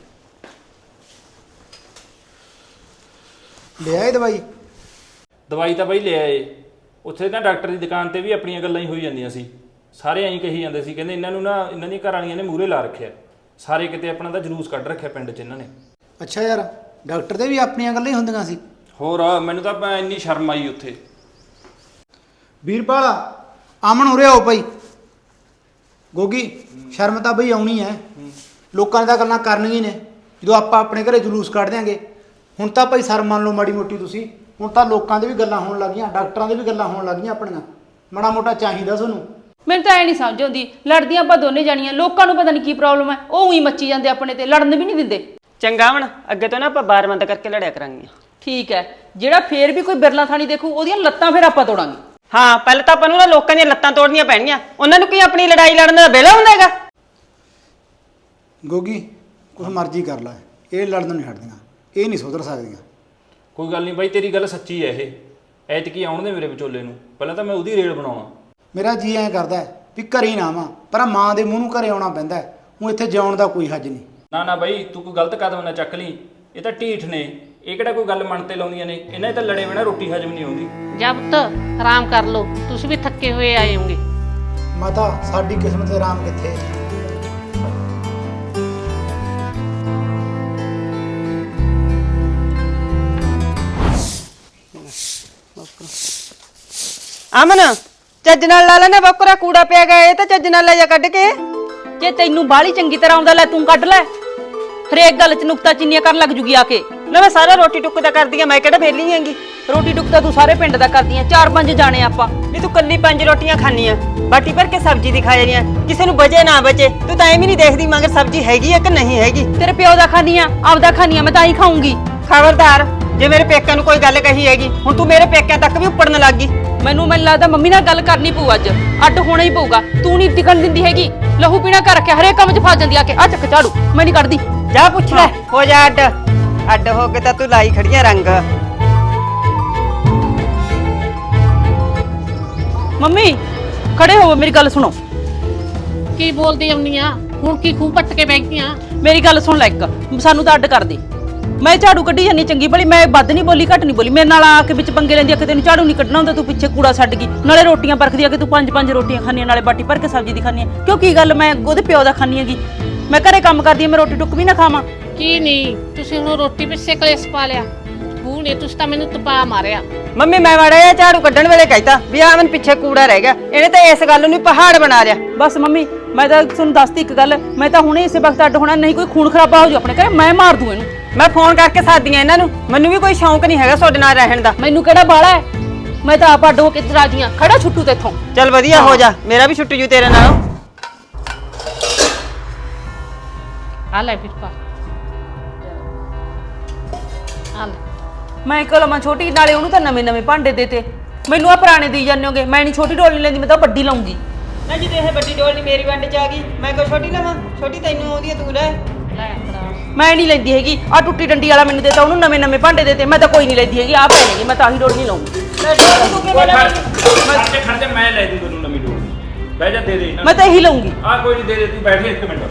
S2: ਲੈ ਆਏ ਦਵਾਈ?
S3: ਦਵਾਈ ਤਾਂ ਬਈ ਲੈ ਆਏ। ਉੱਥੇ ਨਾ ਡਾਕਟਰ ਦੀ ਦੁਕਾਨ ਤੇ ਵੀ ਆਪਣੀਆਂ ਗੱਲਾਂ ਹੀ ਹੋਈ ਜਾਂਦੀਆਂ ਸੀ। ਸਾਰੇ ਐਂ ਕਹੀ ਜਾਂਦੇ ਸੀ, ਕਹਿੰਦੇ ਇਹਨਾਂ ਨੂੰ ਨਾ ਇਹਨਾਂ ਦੀਆਂ ਘਰ ਵਾਲੀਆਂ ਨੇ ਮੂਹਰੇ ਲਾ ਰੱਖਿਆ। ਸਾਰੇ ਕਿਤੇ ਆਪਣਾ ਤਾਂ ਜਲੂਸ ਕੱਢ ਰੱਖਿਆ ਪਿੰਡ 'ਚ ਇਹਨਾਂ ਨੇ।
S2: ਅੱਛਾ ਯਾਰ, ਡਾਕਟਰ ਦੇ ਵੀ ਆਪਣੀਆਂ ਗੱਲਾਂ ਹੀ ਹੁੰਦੀਆਂ ਸੀ।
S3: ਹੋਰ ਮੈਨੂੰ ਤਾਂ ਇੰਨੀ ਸ਼ਰਮ ਆਈ ਉੱਥੇ।
S2: ਵੀਰਪਾਲ ਆਮਣ ਹੋ ਰਿਹਾ ਹੋ ਭਾਈ। ਗੋਗੀ ਸ਼ਰਮ ਤਾਂ ਬਈ ਆਉਣੀ ਹੈ। ਲੋਕਾਂ ਨੇ ਤਾਂ ਗੱਲਾਂ ਕਰਨੀਆਂ ਹੀ ਨੇ ਜਦੋਂ ਆਪਾਂ ਆਪਣੇ ਘਰੇ ਜਲੂਸ ਕੱਢ ਦਿਆਂਗੇ। ਹੁਣ ਤਾਂ ਭਾਈ ਸ਼ਰਮ ਮੰਨ ਲਓ ਮਾੜੀ ਮੋਟੀ ਤੁਸੀਂ। ਹੁਣ ਤਾਂ ਲੋਕਾਂ ਦੇ ਵੀ ਗੱਲਾਂ ਹੋਣ ਲੱਗੀਆਂ, ਡਾਕਟਰਾਂ ਦੇ ਵੀ ਗੱਲਾਂ ਹੋਣ ਲੱਗੀਆਂ ਆਪਣੀਆਂ। ਮਾੜਾ ਮੋਟਾ ਚਾਹੀਦਾ ਤੁਹਾਨੂੰ।
S1: ਮੈਨੂੰ ਤਾਂ ਐ ਨਹੀਂ ਸਮਝ ਆਉਂਦੀ, ਲੜਦੀਆਂ ਆਪਾਂ ਦੋਨੇ ਜਾਣੀਆਂ। ਲੋਕਾਂ ਨੂੰ ਪਤਾ ਨਹੀਂ ਕੀ ਪ੍ਰੋਬਲਮ ਹੈ, ਉਹ ਉਹੀ ਮੱਚੀ ਜਾਂਦੇ ਆਪਣੇ ਤੇ, ਲੜਨ ਵੀ ਨਹੀਂ ਦਿੰਦੇ।
S4: ਚੰਗਾ ਹੁਣ ਅੱਗੇ ਤੋਂ ਨਾ ਆਪਾਂ ਬਾਰ ਬੰਦ ਕਰਕੇ ਲੜਿਆ ਕਰਾਂਗੇ।
S1: ਠੀਕ ਹੈ, ਜਿਹੜਾ ਫੇਰ ਵੀ ਕੋਈ ਬਿਰਲਾ ਥਾਣੀ ਦੇਖੂ ਉਹਦੀਆਂ ਲੱਤਾਂ ਫੇਰ ਆਪਾਂ ਤੋੜਾਂਗੇ।
S4: ਹਾਂ ਪਹਿਲਾਂ ਤਾਂ ਆਪਾਂ ਨੂੰ ਨਾ ਲੋਕਾਂ ਦੀਆਂ ਲੱਤਾਂ ਤੋੜਨੀਆਂ ਪੈਣੀਆਂ। ਉਹਨਾਂ ਨੂੰ ਕੀ ਆਪਣੀ ਲੜਾਈ ਲੜਨ ਦਾ ਵੇਲਾ ਹੁੰਦਾ ਹੈਗਾ?
S2: ਗੋਗੀ ਕੁਛ ਮਰਜ਼ੀ ਕਰ ਲੈ, ਇਹ ਲੜਨ ਨਹੀਂ ਹਟਦੀਆਂ, ਇਹ ਨਹੀਂ ਸੁਧਰ ਸਕਦੀਆਂ।
S3: ਕੋਈ ਗੱਲ ਨਹੀਂ ਬਾਈ, ਤੇਰੀ ਗੱਲ ਸੱਚੀ ਹੈ। ਇਹ ਐਤਕੀ ਆਉਣ ਦੇ ਮੇਰੇ ਵਿਚੋਲੇ ਨੂੰ। ਪਹਿਲਾਂ ਤਾਂ ਮੈਂ ਉਹਦੀ ਰੇਲ ਬਣਾਉਣਾ।
S2: ਮੇਰਾ ਜੀ ਐਂ ਕਰਦਾ ਹੈ ਵੀ ਘਰੇ ਹੀ ਨਾ ਆਵਾਂ, ਪਰ ਮਾਂ ਦੇ ਮੂੰਹ ਨੂੰ ਘਰੇ ਆਉਣਾ ਪੈਂਦਾ ਹੈ। ਹੁਣ ਇੱਥੇ ਜਿਉਣ ਦਾ ਕੋਈ ਹੱਜ ਨਹੀਂ।
S3: ਨਾ ਬਾਈ, ਤੂੰ ਕੋਈ ਗਲਤ ਕਦਮ ਨਾ ਚੱਕ ਲਈ। ਇਹ ਤਾਂ ਢੀਠ ਨੇ, ਇਹ ਕਿਹੜਾ ਕੋਈ ਗੱਲ ਮਨ ਤੇ ਲਾਉਂਦੀਆਂ ਨੇ। ਇਹਨਾਂ ਦੇ ਤਾਂ ਲੜੇ ਬਿਨਾਂ ਰੋਟੀ ਹਜਮ ਨਹੀਂ ਆਉਂਦੀ।
S5: ਜਾ ਪੁੱਤ ਆਰਾਮ ਕਰ ਲਓ, ਤੁਸੀਂ ਵੀ ਥੱਕੇ ਹੋਏ ਆਏ ਹੋਗੇ।
S2: ਮਾਤਾ ਸਾਡੀ ਕਿਸਮਤ ਤੇ ਆਰਾਮ ਕਿੱਥੇ?
S4: ਅਮਨ ਚੱਜ ਨਾਲ ਲਾ ਲੈਣਾ ਬੱਕਰਾ, ਕੂੜਾ ਪਿਆ ਗਿਆ। ਇਹ ਤਾਂ ਚੱਜ ਨਾਲ ਲੈ ਜਾ ਕੱਢ ਕੇ।
S1: ਜੇ ਤੈਨੂੰ ਬਾਹਲੀ ਚੰਗੀ ਤਰ੍ਹਾਂ ਆਉਂਦਾ, ਲੈ ਤੂੰ ਕੱਢ ਲੈ। ਹਰੇਕ ਗੱਲ 'ਚ ਨੁਕਤਾ ਚੀਨੀਆਂ ਕਰਨ ਲੱਗ ਜੂਗੀ ਆ ਕੇ।
S4: ਨਾ ਮੈਂ ਸਾਰਾ ਰੋਟੀ ਟੁੱਕ ਦਾ ਕਰਦੀ ਆ, ਮੈਂ ਕਿਹੜਾ ਵਿਹਲੀ ਹੈਗੀ।
S1: ਰੋਟੀ ਟੁੱਕ ਤਾਂ ਤੂੰ ਸਾਰੇ ਪਿੰਡ ਦਾ ਕਰਦੀ ਆ। 4-5 ਜਾਣੇ ਆਪਾਂ।
S4: ਨਹੀਂ ਤੂੰ ਕੱਲੀ 5 ਰੋਟੀਆਂ ਖਾਣੀ ਆ, ਬਾਟੀ ਭਰ ਕੇ ਸਬਜ਼ੀ ਦੀ ਖਾ ਜਾਣੀ ਆ। ਕਿਸੇ ਨੂੰ ਬਚੇ ਨਾ ਬਚੇ, ਤੂੰ ਤਾਂ ਐਵੇਂ ਨਹੀਂ ਦੇਖਦੀ ਮਗਰ ਸਬਜ਼ੀ ਹੈਗੀ ਆ ਕਿ ਨਹੀਂ ਹੈਗੀ।
S1: ਤੇਰੇ ਪਿਓ ਦਾ ਖਾਨੀ ਆ, ਆਪਦਾ ਖਾਨੀ ਆ, ਮੈਂ ਤਾਂ ਹੀ ਖਾਊਂਗੀ।
S4: ਖਬਰਦਾਰ ਜੇ ਮੇਰੇ ਪੇਕਿਆਂ ਨੂੰ ਕੋਈ ਗੱਲ ਕਹੀ ਹੈਗੀ, ਹੁਣ ਤੂੰ ਮੇਰੇ ਪੇਕਿਆਂ ਤੱਕ ਵੀ ਉੱਪੜਨ ਲੱਗ ਗਈ।
S1: ਮੈਨੂੰ ਲੱਗਦਾ ਮੰਮੀ ਨਾਲ ਗੱਲ ਕਰਨੀ ਪਊ ਅੱਜ। ਅੱਡ ਹੋਣਾ ਹੀ ਪਊਗਾ। ਤੂੰ ਨਹੀਂ ਟਿਕਣ ਦਿੰਦੀ ਹੈਗੀ, ਲਹੂ ਪੀਣਾ ਕਰ ਰੱਖਿਆ, ਹਰੇਕ ਕੰਮ 'ਚ ਫਸ ਜਾਂਦੀ ਆ ਕੇ। ਆ ਚੱਕ ਝਾੜੂ, ਮੈਂ ਨਹੀਂ ਕੱਢਦੀ।
S4: ਜਾ ਪੁੱਛ ਲੈ, ਹੋ ਜਾ ਅੱਡ। ਅੱਡ ਹੋ ਕੇ ਤਾਂ ਤੂੰ ਲਾਈ ਖੜੀਆਂ ਰੰਗ।
S1: ਮੰਮੀ ਖੜੇ ਹੋਵੋ, ਮੇਰੀ ਗੱਲ ਸੁਣੋ।
S5: ਕੀ ਬੋਲਦੀ ਆਉਣੀ ਆ? ਹੁਣ ਕੀ ਖੂਹ ਪੱਟ ਕੇ ਬਹਿ ਗਈਆਂ?
S1: ਮੇਰੀ ਗੱਲ ਸੁਣ ਲੈ ਇੱਕ, ਸਾਨੂੰ ਤਾਂ ਅੱਡ ਕਰ ਦੇ। ਮੈਂ ਝਾੜੂ ਕੱਢੀ ਜਾਨੀ ਚੰਗੀ ਭਲੀ, ਮੈਂ ਵੱਧ ਨਹੀਂ ਬੋਲੀ ਘੱਟ ਨਹੀਂ ਬੋਲੀ। ਮੇਰੇ ਨਾਲ ਆ ਕੇ ਵਿੱਚ ਪੰਗੇ ਲੈਂਦੀ ਆ ਕਿ ਤੈਨੂੰ ਝਾੜੂ ਨਹੀਂ ਕੱਢਣਾ ਹੁੰਦਾ, ਤੂੰ ਪਿੱਛੇ ਕੂੜਾ ਛੱਡ ਗਈ। ਨਾਲੇ ਰੋਟੀਆਂ ਪਰਖਦੀ ਆ ਕਿ ਤੂੰ 5-5 ਰੋਟੀਆਂ ਖਾਣੀਆਂ, ਨਾਲੇ ਬਾਟੀ ਭਰ ਕੇ ਸਬਜ਼ੀ ਦੀ ਖਾਣੀ ਆ। ਕਿਉਂ ਕੀ ਗੱਲ, ਮੈਂ ਉਹਦੇ ਪਿਓ ਦਾ ਖਾਣੀ ਹੈਗੀ। ਮੈਂ ਘਰੇ ਕੰਮ ਕਰਦੀ ਆ, ਮੈਂ ਰੋਟੀ ਟੁੱਕ ਵੀ ਨਾ ਖਾਵਾਂ।
S5: ਕੀ ਨਹੀਂ, ਤੁਸੀਂ ਹੁਣ ਰੋਟੀ ਪਿੱਛੇ ਕਲੇਸ਼ ਪਾ ਲਿਆ। ਬਹੂ ਨੇ ਤੁਸੀਂ ਤਾਂ ਮੈਨੂੰ ਤਪਾ ਮਾਰਿਆ।
S4: ਮੰਮੀ ਮੈਂ ਮਾੜਾ ਜਿਹਾ ਝਾੜੂ ਕੱਢਣ ਵੇਲੇ ਕਹਿਤਾ ਵੀ ਆ ਮੈਨੂੰ ਪਿੱਛੇ ਕੂੜਾ ਰਹਿ ਗਿਆ, ਇਹਨੇ ਤਾਂ ਇਸ ਗੱਲ ਨੂੰ ਪਹਾੜ ਬਣਾ ਲਿਆ।
S1: ਬਸ ਮੰਮੀ ਮੈਂ ਤਾਂ ਤੁਹਾਨੂੰ ਦੱਸਤੀ ਇੱਕ ਗੱਲ, ਮੈਂ ਤਾਂ ਹੁਣੇ ਇਸੇ ਵਕਤ ਅੱਡ ਹੋਣਾ, ਨਹੀਂ ਕੋਈ ਖੂਨ ਖਰਾਬਾ ਹੋ ਜੂ ਆਪਣੇ ਘਰੇ, ਮੈਂ ਮਾਰ ਦੂੰ ਇਹਨੂੰ।
S4: ਮੈਂ ਫੋਨ ਕਰਕੇ ਸਾਦੀਆਂ ਇਹਨਾਂ ਨੂੰ, ਮੈਨੂੰ ਵੀ ਕੋਈ ਸ਼ੌਂਕ ਨਹੀਂ ਹੈਗਾ ਤੁਹਾਡੇ ਨਾਲ ਰਹਿਣ ਦਾ।
S1: ਮੈਨੂੰ ਕਿਹੜਾ ਬਾਲਾ ਹੈ, ਮੈਂ ਤਾਂ ਆਪ ਅੱਡ ਹੋ ਕੇ ਰਾਜੀਆਂ, ਖੜਾ ਛੁੱਟੂ ਤੇਥੋਂ।
S4: ਚੱਲ ਵਧੀਆ ਹੋ ਜਾ, ਮੇਰਾ ਵੀ ਛੁੱਟ ਜੂ ਤੇਰੇ ਨਾਲ।
S5: ਆ ਲੈ ਵੀਰਪਾਲ, ਆ ਲੈ।
S1: ਮੈਂ ਕਿਹਾ ਲਵਾਂ ਛੋਟੀ, ਨਾਲੇ ਉਹਨੂੰ ਤਾਂ ਨਵੇਂ ਨਵੇਂ ਭਾਂਡੇ ਦੇਤੇ, ਮੈਨੂੰ ਆ ਪੁਰਾਣੇ ਦੇਈ ਜਾਂਦੇ ਹੋਗੇ। ਮੈਂ ਨਹੀਂ ਛੋਟੀ ਡੋਲ ਨਹੀਂ ਲੈਂਦੀ, ਮੈਂ ਤਾਂ ਵੱਡੀ ਲਾਉਂਗੀ।
S4: ਨਾ ਜਦੋਂ ਇਹ ਵੱਡੀ ਡੋਲ ਨਹੀਂ ਮੇਰੀ ਵੰਡ ਚ ਆ ਗਈ, ਮੈਂ ਕੋਈ ਛੋਟੀ ਲਵਾਂ? ਛੋਟੀ ਤੈਨੂੰ ਆਉਂਦੀ ਹੈ, ਤੂੰ ਲੈ।
S5: ਲੈ ਫੜਾ।
S1: ਮੈਂ ਨਹੀਂ ਲੈਂਦੀ ਹੈਗੀ, ਆ ਟੁੱਟੀ ਡੰਡੀ ਵਾਲਾ ਮੈਨੂੰ ਦੇਤਾ, ਉਹਨੂੰ ਨਵੇਂ ਨਵੇਂ ਭਾਂਡੇ ਦੇਤੇ, ਮੈਂ ਤਾਂ ਕੋਈ ਨਹੀਂ ਲੈਂਦੀ ਹੈਗੀ। ਆ ਪੈ ਲੈਣਗੇ, ਮੈਂ ਤਾਂ ਆਹੀ ਡੋਲ ਨਹੀਂ ਲਾਉਂਗੀ।
S3: ਖੜ ਜਾ, ਮੈਂ ਲੈ ਦੂੰ ਤੈਨੂੰ ਨਵੀਂ ਡੋਲ। ਬਹਿ ਜਾ, ਦੇ ਦੇ ਇਹਨਾਂ
S1: ਮੈਂ ਤਾਂ ਇਹੀ ਲਾਉਂਗੀ।
S3: ਆ ਕੋਈ ਨਹੀਂ, ਦੇ ਦੇ, ਤੂੰ ਬੈਠ 1 ਮਿੰਟ।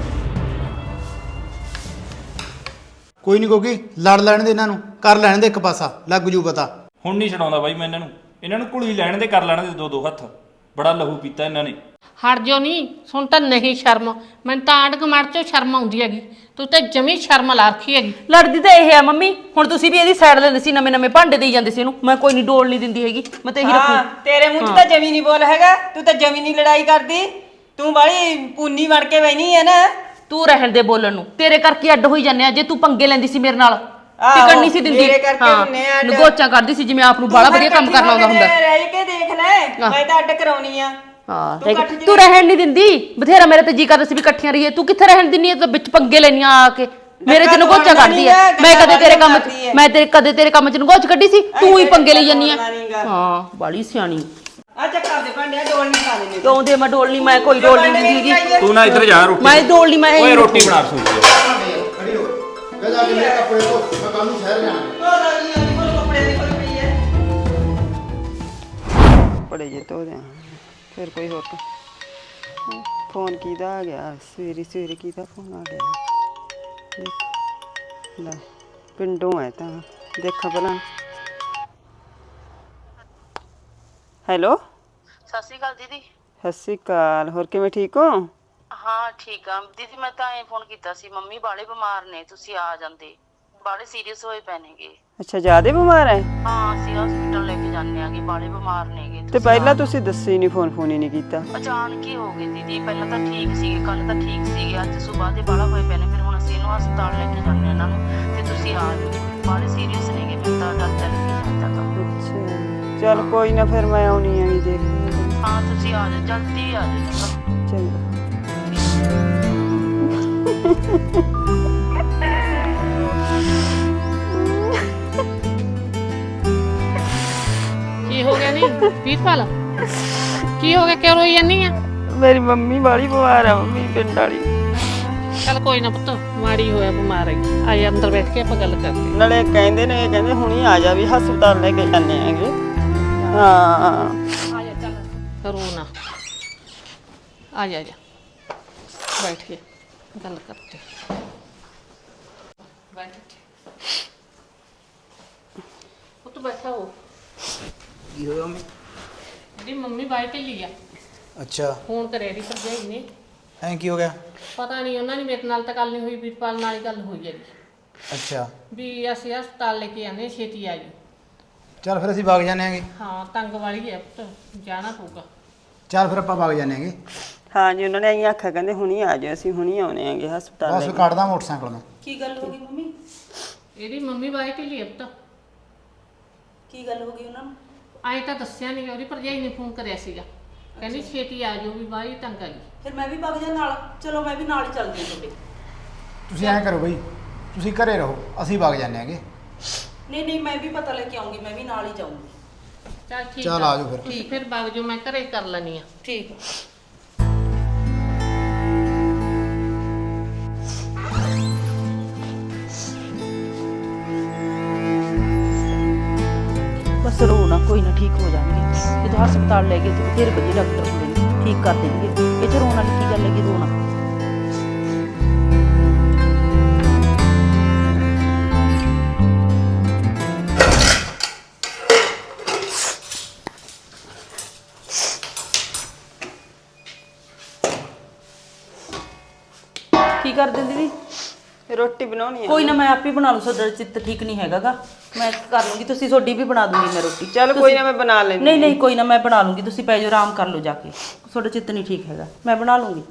S2: ਕੋਈ ਨਹੀਂ ਗੋਗੀ, ਲੜ ਲੈਣ ਦੇ ਇਹਨਾਂ ਨੂੰ, ਕਰ ਲੈਣ ਦੇ ਇੱਕ ਪਾਸਾ, ਲੱਗ ਜੂ ਪਤਾ।
S3: ਹੁਣ ਨਹੀਂ ਛਡਾਉਂਦਾ ਬਾਈ ਮੈਂ ਇਹਨਾਂ ਨੂੰ ਕੁੜੀ ਲੈਣ ਦੇ, ਕਰ ਲੈਣ ਦੇ 2-2 ਹੱਥ। ਬੜਾ ਲਹੂ ਪੀਤਾ ਇਹਨਾਂ ਨੇ।
S5: ਹਟ ਜੋ ਨਹੀਂ, ਸੁਣ ਤਾਂ ਨਹੀਂ ਸ਼ਰਮ, ਮੈਨੂੰ ਤਾਂ ਆਂਢ ਗੁਆਂਢ ਚੋਂ ਸ਼ਰਮ ਆਉਂਦੀ ਹੈਗੀ। ਤੂੰ ਤਾਂ ਜਮੀ ਸ਼ਰਮ ਲਾ ਰੱਖੀ ਹੈਗੀ।
S1: ਲੜਦੀ ਤਾਂ ਇਹ ਆ ਮੰਮੀ, ਹੁਣ ਤੁਸੀਂ ਵੀ ਇਹਦੀ ਸਾਈਡ ਲੈਂਦੇ ਸੀ, ਨਵੇਂ ਨਵੇਂ ਭਾਂਡੇ ਦੇਈ ਜਾਂਦੇ ਸੀ ਇਹਨੂੰ। ਮੈਂ ਕੋਈ ਨਹੀਂ ਡੋਲ ਨਹੀਂ ਦਿੰਦੀ ਹੈਗੀ, ਮੈਂ ਤਾਂ ਇਹੀ ਰੱਖੂ।
S4: ਤੇਰੇ ਮੂੰਹ 'ਚ ਤਾਂ ਜਮੀ ਨਹੀਂ ਬੋਲ ਹੈਗਾ, ਤੂੰ ਤਾਂ ਜਮੀ ਨਹੀਂ ਲੜਾਈ ਕਰਦੀ, ਤੂੰ ਬਾਲੀ ਪੂਨੀ ਬਣ ਕੇ ਬੈਣੀ ਹੈ ਨਾ।
S1: ਤੂੰ ਰਹਿਣ ਦੇ ਬੋਲਣ ਨੂੰ, ਤੇਰੇ ਕਰਕੇ ਅੱਡ ਹੋਈ ਜਾਂਦੇ ਆ। ਜੇ ਤੂੰ ਪੰਗੇ ਲੈਂਦੀ ਸੀ ਮੇਰੇ ਨਾਲ,
S4: ਆਹੋ,
S1: ਟਿਕਣ ਨਹੀਂ ਸੀ ਦਿੰਦੀ।
S4: ਮੇਰੇ ਕਰਕੇ ਹੁੰਨੇ ਆ ਅੱਡ।
S1: ਨਗੋਚਾਂ ਕਰਦੀ ਸੀ ਜਿਵੇਂ ਆਪ ਨੂੰ ਬਾਲਾ ਵਧੀਆ ਕੰਮ ਕਰਨਾ ਆਉਂਦਾ ਹੁੰਦਾ।
S4: ਰਹਿ ਕੇ ਦੇਖ ਲੈ, ਮੈਂ ਤਾਂ ਅੱਡ ਕਰਾਉਣੀ ਆ।
S1: ਹਾਂ,
S4: ਤੂੰ ਇਕੱਠ ਚ
S1: ਤੂੰ ਰਹਿਣ ਨਹੀਂ ਦਿੰਦੀ। ਬਥੇਰਾ ਮੇਰੇ ਤੇ ਜੀ ਕਰਦਾ ਸੀ ਵੀ ਇਕੱਠੀਆਂ ਰਹੀਏ, ਤੂੰ ਕਿੱਥੇ ਰਹਿਣ ਦਿੰਨੀ ਐ? ਤੂੰ ਵਿੱਚ ਪੰਗੇ ਲੈਣੀਆਂ ਆ ਕੇ ਮੇਰੇ ਚ ਨਗੋਚਾਂ ਕੱਢਦੀ ਐ। ਮੈਂ ਕਦੇ ਤੇਰੇ ਕੰਮ ਚ, ਮੈਂ ਕਦੇ ਤੇਰੇ ਕੰਮ ਚ ਨਗੋਚ ਕੱਢੀ ਸੀ? ਤੂੰ ਹੀ ਪੰਗੇ ਲਈ ਜਾਂਦੀ ਆ। ਹਾਂ, ਬਾਲੀ ਸਿਆਣੀ।
S4: ਆ ਚੱਕਰ ਦੇ ਭਾਂਡਿਆ, ਡੋਲ ਨਹੀਂ ਖਾ ਲੈਣੇ।
S1: ਕਿਉਂ ਦੇ ਮੈਂ ਡੋਲ ਨਹੀਂ, ਮੈਂ ਕੋਈ ਡੋਲ ਨਹੀਂ ਦਿੰਦੀ ਹੈਗੀ।
S3: ਤੂੰ ਨਾ ਇੱਧਰ ਜਾ, ਰੋਟੀ
S1: ਮੈਂ ਡੋਲ ਨਹੀਂ, ਮੈਂ
S3: ਓਏ ਰੋਟੀ ਬਣਾ ਰਸੋਈ ਚ।
S2: ਖੜੀ ਹੋ, ਜਾ ਜਾ ਕੇ ਮੇਰੇ ਕੱਪੜੇ ਧੋ, ਮੈਂ ਕੱਲ ਨੂੰ ਸ਼ਹਿਰ ਜਾਣਾ।
S4: ਬੜੇ ਜੇ ਧੋ ਦਿਆਂ, ਫਿਰ ਕੋਈ ਹੋਰ ਫੋਨ ਕਿਹਦਾ ਆ ਗਿਆ? ਸਵੇਰੇ ਸਵੇਰੇ ਕਿਹਦਾ ਫੋਨ ਆ ਗਿਆ? ਦੇਖ ਲੈ, ਪਿੰਡੋਂ ਹੈ ਤਾਂ ਦੇਖਾ ਭਲਾ। ਹੈਲੋ,
S7: ਸਤਿ ਸ਼੍ਰੀ ਅਕਾਲ ਦੀਦੀ।
S4: ਸਤਿ ਸ਼੍ਰੀ ਅਕਾਲ, ਹੋਰ ਕਿਵੇਂ, ਠੀਕ ਹੋ?
S7: ਹਾਂ ਠੀਕ ਆ ਦੀਦੀ, ਮੈਂ ਤਾਂ ਐਂ ਫੋਨ ਕੀਤਾ ਸੀ, ਮੰਮੀ ਬਾਲੇ ਬਿਮਾਰ ਨੇ, ਤੁਸੀਂ ਆ ਜਾਂਦੇ, ਬਾਲੇ ਸੀਰੀਅਸ ਹੋਏ ਪਏ ਨੇਗੇ।
S4: ਅੱਛਾ, ਜ਼ਿਆਦਾ ਬਿਮਾਰ ਹੈ?
S7: ਹਾਂ ਅਸੀਂ ਹਸਪੀਟਲ ਲੈ ਕੇ ਜਾਂਦੇ ਆਗੇ, ਬਾਲੇ ਬਿਮਾਰ ਨੇਗੇ।
S4: ਤੇ ਪਹਿਲਾਂ ਤੁਸੀਂ ਦੱਸੇ ਹੀ ਨਹੀਂ, ਫੋਨ ਹੀ ਨਹੀਂ ਕੀਤਾ।
S7: ਅਚਾਨਕ ਹੀ ਹੋ ਗਏ ਦੀਦੀ, ਪਹਿਲਾਂ ਤਾਂ ਠੀਕ ਸੀਗੇ, ਕੱਲ ਤਾਂ ਠੀਕ ਸੀਗੇ, ਅੱਜ ਸੁਬਾਹ ਦੇ ਬਾਲਾ ਹੋਏ ਪਏ ਨੇ, ਫਿਰ ਹੁਣ ਅਸੀਂ ਇਹਨੂੰ ਹਸਪਤਾਲ ਲੈ ਕੇ ਜਾਂਦੇ ਇਹਨਾਂ ਨੂੰ, ਤੇ ਤੁਸੀਂ ਆ ਜਾਓ, ਬਾਲੇ ਸੀਰੀਅਸ ਨੇਗੇ, ਫਿਰ ਤਾਂ ਡਰ ਲੱਗੀ ਜਾਂਦਾ ਤਾਂ।
S4: ਅੱਛਾ, ਚਲ ਕੋਈ ਨਾ, ਫਿਰ ਮੈਂ ਆਉਣੀ ਆ, ਵੀ ਦੇਖ
S7: ਹਾਂ ਤੁਸੀਂ ਆ ਜਾਓ, ਜਲਦੀ ਆ ਜਾਓ ਚੰਗਾ।
S4: ਚੰਗਾ।
S5: ਕੀ ਹੋ ਗਿਆ ਨਹੀਂ ਵੀਰਪਾਲ, ਕੀ ਹੋ ਗਿਆ, ਕਿਉਂ ਰੋਈ ਜਾਂਦੀ ਆ?
S4: ਮੇਰੀ ਮੰਮੀ ਬਾਲੀ ਬਿਮਾਰ ਆ, ਮੰਮੀ ਪਿੰਡ ਵਾਲੀ।
S5: ਚੱਲ ਕੋਈ ਨਾ ਪੁੱਤ, ਮਾੜੀ ਹੋਇਆ ਬਿਮਾਰ ਹੈਗੀ, ਆਏ ਅੰਦਰ ਬੈਠ ਕੇ ਆਪਾਂ ਗੱਲ ਕਰਦੇ।
S4: ਨਾਲੇ ਕਹਿੰਦੇ ਨੇ, ਕਹਿੰਦੇ ਹੁਣੀ ਆ ਜਾ, ਵੀ ਹਸਪਤਾਲ ਲੈ ਕੇ ਜਾਂਦੇ ਆਂਗੇ। ਹਾਂ,
S5: ਆ ਜਾ, ਚੱਲ ਰੋ ਨਾ, ਆ ਜਾ ਬੈਠ ਕੇ ਗੱਲ ਕਰਦੇ। ਬੈਠ ਪੁੱਤ, ਬੈਠਾ ਹੋ।
S2: ਕੀ ਹੋਇਆ ਮੰਮੀ?
S5: ਜਿਹੜੀ ਮੰਮੀ ਬਾਈ ਢਿੱਲੀ ਆ,
S2: ਅੱਛਾ,
S5: ਫੋਨ ਕਰਿਆ ਦੀ ਭਰਜਾਈ ਨੇ।
S2: ਐਂ ਕੀ ਹੋ ਗਿਆ?
S5: ਪਤਾ ਨਹੀਂ, ਉਹਨਾਂ ਨੇ ਮੇਰੇ ਨਾਲ ਤਾਂ ਗੱਲ ਨਹੀਂ ਹੋਈ, ਵੀਰਪਾਲ ਨਾਲ ਹੀ ਗੱਲ ਹੋਈ ਹੈਗੀ
S2: ਅੱਛਾ,
S5: ਵੀ ਅਸੀਂ ਹਸਪਤਾਲ ਲੈ ਕੇ ਆਨੇ, ਛੇਤੀ ਆ ਜੀ।
S2: ਚੱਲ ਫਿਰ ਅਸੀਂ ਵਗ ਜਾਂਦੇ ਆਂਗੇ।
S5: ਹਾਂ, ਤੰਗ ਵਾਲੀ ਹੈ ਪੁੱਤ, ਜਾਣਾ ਪਊਗਾ।
S2: ਚੱਲ ਫਿਰ ਆਪਾਂ ਵਗ ਜਾਂਦੇ ਆਂਗੇ।
S4: ਹਾਂ ਜੀ, ਉਹਨਾਂ ਨੇ ਐਂ ਆਖਿਆ, ਕਹਿੰਦੇ ਹੁਣੀ ਆ ਜਾਓ, ਅਸੀਂ ਹੁਣੀ ਆਉਣੇ ਆਂਗੇ ਹਸਪਤਾਲ
S2: ਬਸ
S4: ਲੈ ਕੇ।
S2: ਕੱਢਦਾ ਮੋਟਰਸਾਈਕਲ ਮੈਂ।
S1: ਕੀ ਗੱਲ ਹੋ ਗਈ ਮੰਮੀ?
S5: ਇਹਦੀ ਮੰਮੀ ਬਾਈ ਢਿੱਲੀ ਹੈ ਪੁੱਤ।
S1: ਕੀ ਗੱਲ ਹੋ ਗਈ ਉਹਨਾਂ ਨੂੰ?
S5: ਆਏ ਤਾਂ ਦੱਸਿਆ ਨਹੀਂ, ਉਹਦੀ ਭਰਜਾਈ ਨੇ ਫੋਨ ਕਰਿਆ ਸੀਗਾ, ਕਹਿੰਦੀ ਛੇਤੀ ਆ ਜਾਓ, ਵੀ ਬਾਈ ਤੰਗ ਆ ਗਈ।
S1: ਫਿਰ ਮੈਂ ਵੀ ਵਗ ਜਾ ਨਾਲ। ਚਲੋ ਮੈਂ ਵੀ ਨਾਲ ਹੀ ਚੱਲਦੀ ਹਾਂ ਤੁਹਾਡੇ।
S2: ਤੁਸੀਂ ਐਂ ਕਰੋ ਬਈ, ਤੁਸੀਂ ਘਰੇ ਰਹੋ, ਅਸੀਂ ਵਗ ਜਾਂਦੇ ਆਂਗੇ।
S1: ਨਹੀਂ ਨਹੀਂ, ਮੈਂ ਵੀ ਪਤਾ ਲੈ ਕੇ ਆਉਂਗੀ, ਮੈਂ ਵੀ ਨਾਲ ਹੀ ਜਾਊਂਗੀ।
S5: ਚੱਲ ਠੀਕ
S2: ਚੱਲ ਆ ਜਾਓ ਫਿਰ।
S5: ਠੀਕ, ਫਿਰ ਵਗ ਜਾਓ, ਮੈਂ ਘਰੇ ਕਰ ਲੈਣੀ ਆ।
S1: ਠੀਕ ਹੈ। ਬਸ ਰੋ ਨਾ, ਕੋਈ ਨਾ, ਠੀਕ ਹੋ ਜਾਣਗੇ। ਜਦੋਂ ਹਸਪਤਾਲ ਲੈ ਗਏ ਤੇ ਬਥੇਰੇ ਵਧੀਆ ਡਾਕਟਰ ਹੁੰਦੇ ਨੇ, ਠੀਕ ਕਰ ਦੇਣਗੇ। ਇਹ ਚ ਰੋਣ ਵਾਲੀ ਕੀ ਗੱਲ ਹੈਗੀ, ਰੋਣਾ। ਕੀ ਕਰਦੇ ਦੀਦੀ?
S4: ਰੋਟੀ ਬਣਾਉਣੀ ਆ।
S1: ਕੋਈ ਨਾ ਮੈਂ ਆਪੇ ਬਣਾ ਲੂ, ਤੁਹਾਡਾ ਚਿੱਤ ਠੀਕ ਨਹੀਂ ਹੈਗਾਗਾ, ਮੈਂ ਕਰ ਲੂੰਗੀ, ਤੁਸੀਂ ਤੁਹਾਡੀ ਵੀ ਬਣਾ ਦੂੰਗੀ ਮੈਂ ਰੋਟੀ।
S4: ਚੱਲ ਕੋਈ ਨਾ ਮੈਂ ਬਣਾ ਲੈਂਦੀ।
S1: ਨਹੀਂ ਨਹੀਂ ਕੋਈ ਨਾ ਮੈਂ ਬਣਾ ਲੂੰਗੀ, ਤੁਸੀਂ ਪੈ ਜਾਓ ਆਰਾਮ ਕਰ ਲਓ ਜਾ ਕੇ, ਤੁਹਾਡਾ ਚਿੱਤ ਨਹੀਂ ਠੀਕ ਹੈਗਾ, ਮੈਂ ਬਣਾ ਲੂੰਗੀ।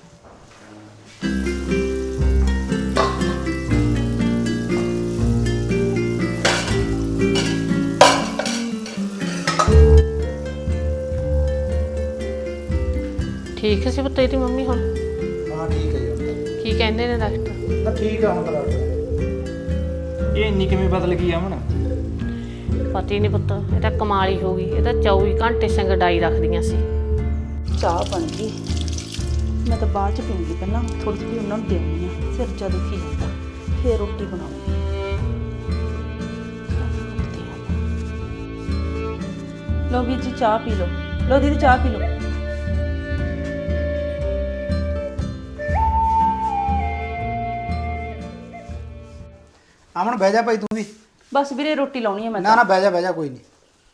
S5: ਠੀਕ ਸੀ ਪੁੱਤ ਤੇਰੀ ਮੰਮੀ ਹੁਣ?
S2: ਹਾਂ ਠੀਕ ਹੈ ਜੀ ਹੁਣ
S5: ਕੀ ਕਹਿੰਦੇ ਨੇ ਡਾਕਟਰ?
S2: ਤਾਂ ਠੀਕ ਆ ਹੁਣ ਤਾਂ ਡਾਕਟਰ।
S3: ਇਹ ਇੰਨੀ ਕਿਵੇਂ ਬਦਲ ਗਈ ਅਮਨ?
S5: ਪਤਾ ਹੀ ਨਹੀਂ ਪੁੱਤ, ਇਹ ਤਾਂ ਕਮਾਲ ਹੀ ਹੋ ਗਈ। ਇਹ ਤਾਂ 24 ਘੰਟੇ ਸੰਗ ਡਾਈ ਰੱਖਦੀਆਂ ਸੀ।
S1: ਚਾਹ ਬਣ ਗਈ, ਮੈਂ ਤਾਂ ਬਾਅਦ ਚ ਪੀਂਗੀ, ਪਹਿਲਾਂ ਥੋੜੀ ਜਿਹੀ ਉਹਨਾਂ ਨੂੰ ਦੇਣੀ ਆ, ਸਿਰ ਜਾ ਦੁਖੀ ਜਾਂਦਾ, ਫੇਰ ਰੋਟੀ ਬਣਾਉਂਗੀ। ਲਓ ਵੀਰ ਜੀ ਚਾਹ ਪੀ ਲਓ, ਲਓ ਦੀਦੀ ਚਾਹ ਪੀ ਲਓ।
S2: ਅਮਨ ਬਹਿ ਜਾ ਭਾਈ ਤੂੰ ਵੀ।
S1: ਬਸ ਵੀਰੇ ਰੋਟੀ ਲਾਉਣੀ ਹੈ ਮੈਂ
S2: ਨਾ ਨਾ ਬਹਿ ਜਾ ਕੋਈ ਨਹੀਂ।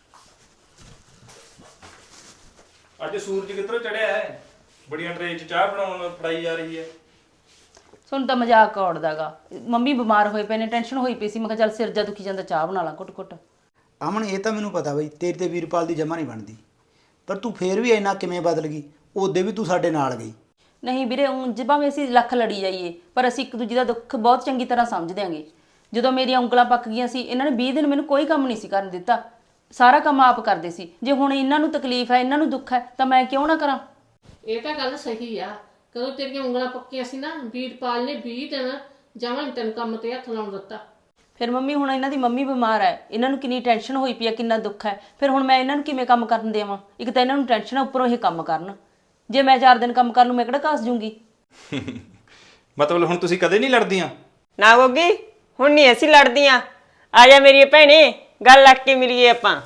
S3: ਅੱਜ ਸੂਰਜ ਕਿੱਧਰੋਂ ਚੜਿਆ ਹੈ? ਬੜੀਆਂ ਟਰੇ 'ਚ ਚਾਹ ਬਣਾਉਣ ਫੜਾਈ ਜਾ ਰਹੀ ਹੈ।
S1: ਤੁਹਾਨੂੰ ਤਾਂ ਮਜ਼ਾਕ ਔੜਦਾਗਾ, ਮੰਮੀ ਬਿਮਾਰ ਹੋਏ ਪਏ ਨੇ, ਟੈਨਸ਼ਨ ਹੋਈ ਪਈ ਸੀ, ਮੈਂ ਕਿਹਾ ਚੱਲ ਸਿਰ ਜਾ ਦੁਖੀ ਜਾਂਦਾ, ਚਾਹ ਬਣਾ ਲਾਂ ਘੁੱਟ ਘੁੱਟ।
S2: ਅਮਨ ਇਹ ਤਾਂ ਮੈਨੂੰ ਪਤਾ ਬਈ ਤੇਰੀ ਤੇ ਵੀਰਪਾਲ ਦੀ ਜਮਾ ਨਹੀਂ ਬਣਦੀ, ਪਰ ਤੂੰ ਫੇਰ ਵੀ ਇੰਨਾ ਕਿਵੇਂ ਬਦਲ ਗਈ? ਉਹਦੇ ਵੀ ਤੂੰ ਸਾਡੇ ਨਾਲ ਗਈ।
S1: ਨਹੀਂ ਵੀਰੇ, ਉਂਝ ਭਾਵੇਂ ਅਸੀਂ ਲੱਖ ਲੜੀ ਜਾਈਏ ਪਰ ਅਸੀਂ ਇੱਕ ਦੂਜੇ ਦਾ ਦੁੱਖ ਬਹੁਤ ਚੰਗੀ ਤਰ੍ਹਾਂ ਸਮਝਦੇ ਆਂਗੇ। ਜਦੋਂ ਮੇਰੀਆਂ ਉਂਗਲਾਂ ਪੱਕ ਗਈਆਂ ਸੀ, ਇਹਨਾਂ ਨੇ 20 ਦਿਨ ਮੈਨੂੰ ਕੋਈ ਕੰਮ ਨਹੀਂ ਸੀ ਕਰਨ ਦਿੱਤਾ, ਸਾਰਾ ਕੰਮ ਆਪ ਕਰਦੇ ਸੀ। ਜੇ ਹੁਣ ਇਹਨਾਂ ਨੂੰ ਤਕਲੀਫ ਹੈ, ਇਹਨਾਂ ਨੂੰ ਦੁੱਖ ਹੈ, ਤਾਂ ਮੈਂ ਕਿਉਂ ਨਾ ਕਰਾਂ?
S5: ਇਹ ਤਾਂ ਗੱਲ ਸਹੀ ਆ। ਕਦੋਂ ਤੇਰੀਆਂ ਉਂਗਲਾਂ ਪੱਕੀਆਂ ਸੀ ਨਾ, ਵੀਰਪਾਲ ਨੇ 20 ਦਿਨ ਜਮਾਂ ਨੀ ਤੈਨੂੰ ਕੰਮ ਤੇ ਹੱਥ ਲਾਉਣ ਦਿੱਤਾ।
S1: ਫਿਰ ਮੰਮੀ, ਹੁਣ ਇਹਨਾਂ ਦੀ ਮੰਮੀ ਬਿਮਾਰ ਹੈ, ਇਹਨਾਂ ਨੂੰ ਕਿੰਨੀ ਟੈਨਸ਼ਨ ਹੋਈ ਪਈ ਆ, ਕਿੰਨਾ ਦੁੱਖ ਹੈ, ਫਿਰ ਹੁਣ ਮੈਂ ਇਹਨਾਂ ਨੂੰ ਕਿਵੇਂ ਕੰਮ ਕਰਨ ਦੇਵਾਂ? ਇੱਕ ਤਾਂ ਇਹਨਾਂ ਨੂੰ ਟੈਨਸ਼ਨ ਹੈ, ਉੱਪਰੋਂ ਇਹ ਕੰਮ ਕਰਨ। ਜੇ ਮੈਂ 4 ਦਿਨ ਕੰਮ ਕਰ ਲੂੰ, ਮੈਂ ਕਿਹੜਾ ਘਸ ਜੂੰਗੀ?
S3: ਮਤਲਬ ਹੁਣ ਤੁਸੀਂ ਕਦੇ ਨਹੀਂ ਲੜਦੀਆਂ?
S4: ਨਾ ਗੋਗੀ, ਹੁਣ ਨਹੀਂ ਅਸੀਂ ਲੜਦੀਆਂ। ਆ ਜਾ ਮੇਰੀ ਭੈਣੇ, ਗੱਲ ਲੱਗ ਕੇ ਮਿਲੀਏ ਆਪਾਂ।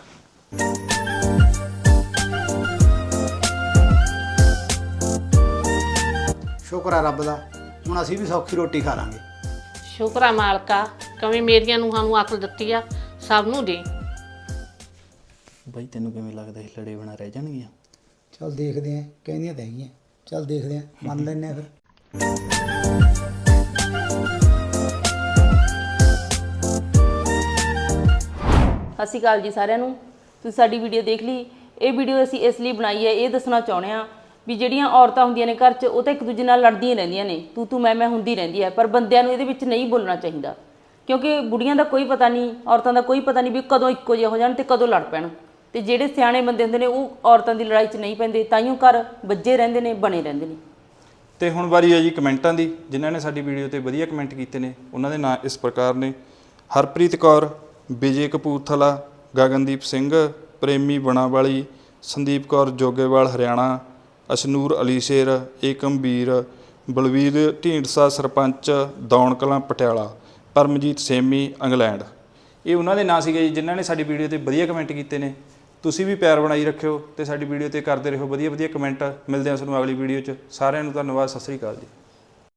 S2: ਸ਼ੁਕਰ ਆ ਰੱਬ ਦਾ, ਹੁਣ ਅਸੀਂ ਵੀ ਸੌਖੀ ਰੋਟੀ ਖਾ ਲਾਂਗੇ।
S5: ਸ਼ੁਕਰ ਆ ਮਾਲਕਾ, ਕਵੇਂ ਮੇਰੀਆਂ ਨੂੰਹਾਂ ਨੂੰ ਅਕਲ ਦਿੱਤੀ ਆ, ਸਭ ਨੂੰ ਦੇ।
S8: ਬਾਈ ਤੈਨੂੰ ਕਿਵੇਂ ਲੱਗਦਾ ਇਹ ਲੜੇ ਬਣਾ ਰਹਿ ਜਾਣਗੀਆਂ?
S2: ਚੱਲ ਦੇਖਦੇ ਆਂ, ਕਹਿੰਦੀਆਂ ਤਾਂ ਹੈਗੀਆਂ, ਚੱਲ ਦੇਖਦੇ ਆਂ, ਮੰਨ ਲੈਂਦੇ ਆਂ ਫਿਰ।
S1: ਸਤਿ ਸ਼੍ਰੀ ਅਕਾਲ ਜੀ ਸਾਰਿਆਂ ਨੂੰ, ਤੁਸੀਂ ਸਾਡੀ ਵੀਡੀਓ ਦੇਖ ਲਈ। ਇਹ ਵੀਡੀਓ ਅਸੀਂ ਇਸ ਲਈ ਬਣਾਈ ਹੈ, ਇਹ ਦੱਸਣਾ ਚਾਹੁੰਦੇ ਹਾਂ ਵੀ ਜਿਹੜੀਆਂ ਔਰਤਾਂ ਹੁੰਦੀਆਂ ਨੇ ਘਰ 'ਚ, ਉਹ ਤਾਂ ਇੱਕ ਦੂਜੇ ਨਾਲ ਲੜਦੀਆਂ ਰਹਿੰਦੀਆਂ ਨੇ, ਤੂੰ ਮੈਂ ਹੁੰਦੀ ਰਹਿੰਦੀ ਹੈ, ਪਰ ਬੰਦਿਆਂ ਨੂੰ ਇਹਦੇ ਵਿੱਚ ਨਹੀਂ ਬੋਲਣਾ ਚਾਹੀਦਾ, ਕਿਉਂਕਿ ਬੁੜੀਆਂ ਦਾ ਕੋਈ ਪਤਾ ਨਹੀਂ, ਔਰਤਾਂ ਦਾ ਕੋਈ ਪਤਾ ਨਹੀਂ ਵੀ ਕਦੋਂ ਇੱਕੋ ਜਿਹੇ ਹੋ ਜਾਣ ਤੇ ਕਦੋਂ ਲੜ ਪੈਣ। ਤੇ ਜਿਹੜੇ ਸਿਆਣੇ ਬੰਦੇ ਹੁੰਦੇ ਨੇ ਉਹ ਔਰਤਾਂ ਦੀ ਲੜਾਈ 'ਚ ਨਹੀਂ ਪੈਂਦੇ, ਤਾਈਓ ਘਰ ਵੱਜੇ ਰਹਿੰਦੇ ਨੇ, ਬਣੇ ਰਹਿੰਦੇ ਨੇ।
S3: ਤੇ ਹੁਣ ਵਾਰੀ ਹੈ ਜੀ ਕਮੈਂਟਾਂ ਦੀ। ਜਿਨ੍ਹਾਂ ਨੇ ਸਾਡੀ ਵੀਡੀਓ ਤੇ ਵਧੀਆ ਕਮੈਂਟ ਕੀਤੇ ਨੇ ਉਹਨਾਂ ਦੇ ਨਾਂ ਇਸ ਪ੍ਰਕਾਰ ਨੇ: ਹਰਪ੍ਰੀਤ ਕੌਰ, ਵਿਜੇ ਕਪੂਰਥਲਾ, ਗਗਨਦੀਪ ਸਿੰਘ, ਪ੍ਰੇਮੀ ਬਣਾਵਾਲੀ, ਸੰਦੀਪ ਕੌਰ ਜੋਗੇਵਾਲ ਹਰਿਆਣਾ, ਅਸ਼ਨੂਰ ਅਲੀ ਸ਼ੇਰ, ਏਕਮਵੀਰ, ਬਲਵੀਰ ਢੀਂਡਸਾ ਸਰਪੰਚ, ਦੌਣ ਕਲਾਂ ਪਟਿਆਲਾ, ਪਰਮਜੀਤ ਸੇਮੀ ਇੰਗਲੈਂਡ। ਇਹ ਉਹਨਾਂ ਦੇ ਨਾਂ ਸੀਗੇ ਜੀ ਜਿਨ੍ਹਾਂ ਨੇ ਸਾਡੀ ਵੀਡੀਓ ਤੇ ਵਧੀਆ ਕਮੈਂਟ ਕੀਤੇ ਨੇ। ਤੁਸੀਂ ਵੀ ਪਿਆਰ ਬਣਾਈ ਰੱਖਿਓ ਤੇ ਸਾਡੀ ਵੀਡੀਓ ਤੇ ਕਰਦੇ ਰਹੋ ਵਧੀਆ ਵਧੀਆ ਕਮੈਂਟ। ਮਿਲਦੇ ਹਾਂ ਤੁਹਾਨੂੰ ਅਗਲੀ ਵੀਡੀਓ 'ਚ। ਸਾਰਿਆਂ ਨੂੰ ਧੰਨਵਾਦ, ਸਤਿ ਸ੍ਰੀ ਅਕਾਲ ਜੀ।